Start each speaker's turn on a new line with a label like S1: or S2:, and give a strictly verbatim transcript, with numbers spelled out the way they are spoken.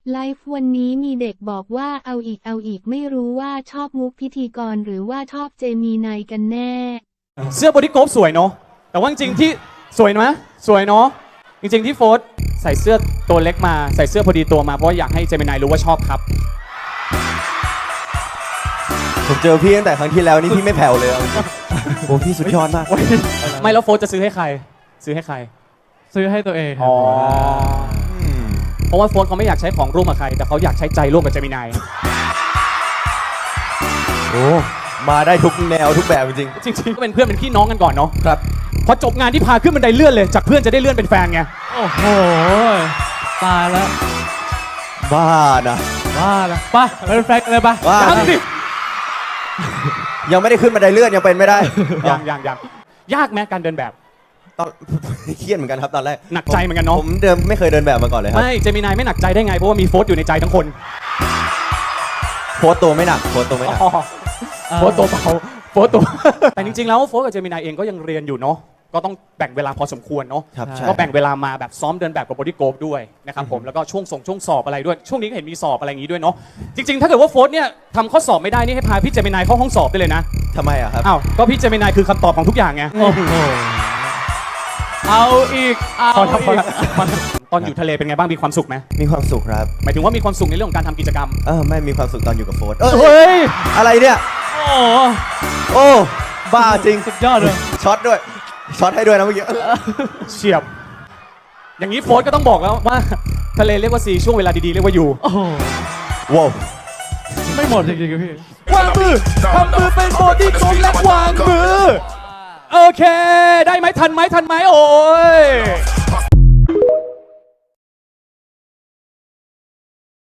S1: ไลฟ์วันนี้มีเด็กบอกว่าเอาอีกเอาอีกไม่รู้ว่าชอบมุกพิธีกรหรือว่าชอบเจมีนายกันแน่
S2: เสื้อบอดี้โกฟสวยเนาะแต่ว่าจริงๆที่สวยนะสวยเนาะจริงๆที่โฟร์ใส่เสื้อตัวเล็กมาใส่เสื้อพอดีตัวมาเพราะอยากให้เจมินายรู้ว่าชอบครับ
S3: ผมเจอพี่ตั้งแต่ครั้งที่แล้วนี่พี่ไม่แผ่วเลยโอ้พี่สุดยอดมาก
S2: ไม่แล้วโฟร์จะซื้อให้ใครซื้อให้ใคร
S4: ซื้อให้ตัวเอง
S2: อ๋อเพราะว่าโฟร์เขาไม่อยากใช้ของร่วมกับใครแต่เขาอยากใช้ใจร่วมกับเจมินาย
S3: โอ้มาได้ทุกแนวทุกแบบจริง
S2: จริงๆก็เป็นเพื่อนเป็นพี่น้องกันก่อนเนาะ
S3: ครับ
S2: พอจบงานที่พาขึ้นบันไดเลื่อนเลยจากเพื่อนจะได้เลื่อนเป็นแฟนไง
S4: โอ้โหตายแล้ว
S3: บ้านะ
S4: บ้าละไปเป็นแฟนกันเลยไป
S2: ยังดิ
S3: ยังไม่ได้ขึ้นบันไดเลื่อนยังเป็นไม่ได้
S2: ยังยังยังยากไหมการเดินแบบ
S3: ตอนเครียดเหมือนกันครับตอนแรก
S2: หนักใจเหมือนกันเนาะ
S3: ผมเดิมไม่เคยเดินแบบมาก่อนเลยครับ
S2: ไม่เจมินายไม่หนักใจได้ไงเพราะว่ามีโฟร์อยู่ในใจทั้งคน
S3: โฟร์ตัวไม่หนักโฟร์ตัวไม่หนัก
S2: โฟร์ตัวเบาโฟร์ตัวแต่จริงๆแล้วโฟร์กับเจมินายเองก็ยังเรียนอยู่เนาะก็ต้องแบ่งเวลาพอสมควรเนาะก็แบ่งเวลามาแบบซ้อมเดินแบบกับบอดี้โกฟด้วยนะครับผมแล้วก็ช่วงส่งช่วงสอบอะไรด้วยช่วงนี้ก็เห็นมีสอบอะไรอย่างนี้ด้วยเนาะจริงๆถ้าเกิดว่าโฟร์เนี่ยทำข้อสอบไม่ได้นี่ให้พาพี่เจมินายเข้าห้องสอบได้เลยนะ
S3: ทำไมอะครับ
S2: อ้าวก็พี่เจมินายคือคำตอบของทุกอย่างไง
S4: เอาอีกเอาอีก
S2: ตอนอยู่ทะเลเป็นไงบ้างมีความสุขไหม
S3: มีความสุขครับ
S2: หมายถึงว่ามีความสุขในเรื่องของการทำกิจกรรม
S3: เออไม่มีความสุขตอนอยู่กับโฟร์
S2: เฮ้ย
S3: อะไรเนี่ย
S4: โอ้
S3: โอ้บ้าจริง
S4: สุดยอดเลย
S3: ช็อตด้วยช็อตให้ด้วยนะเมื่อกี้
S2: เฉียบอย่างนี้โฟร์ก็ต้องบอกแล้วว่าทะเลเรียกว่าซีช่วงเวลาดีๆเรียกว่าอยู่
S4: โอ้
S3: ว้าว
S4: ไม่หมดจริงๆพี่
S2: วางมือทำมือเป็นโบดี้โกฟและวางมือโอเคได้ไหมทันไหมทันไหมโอ้ย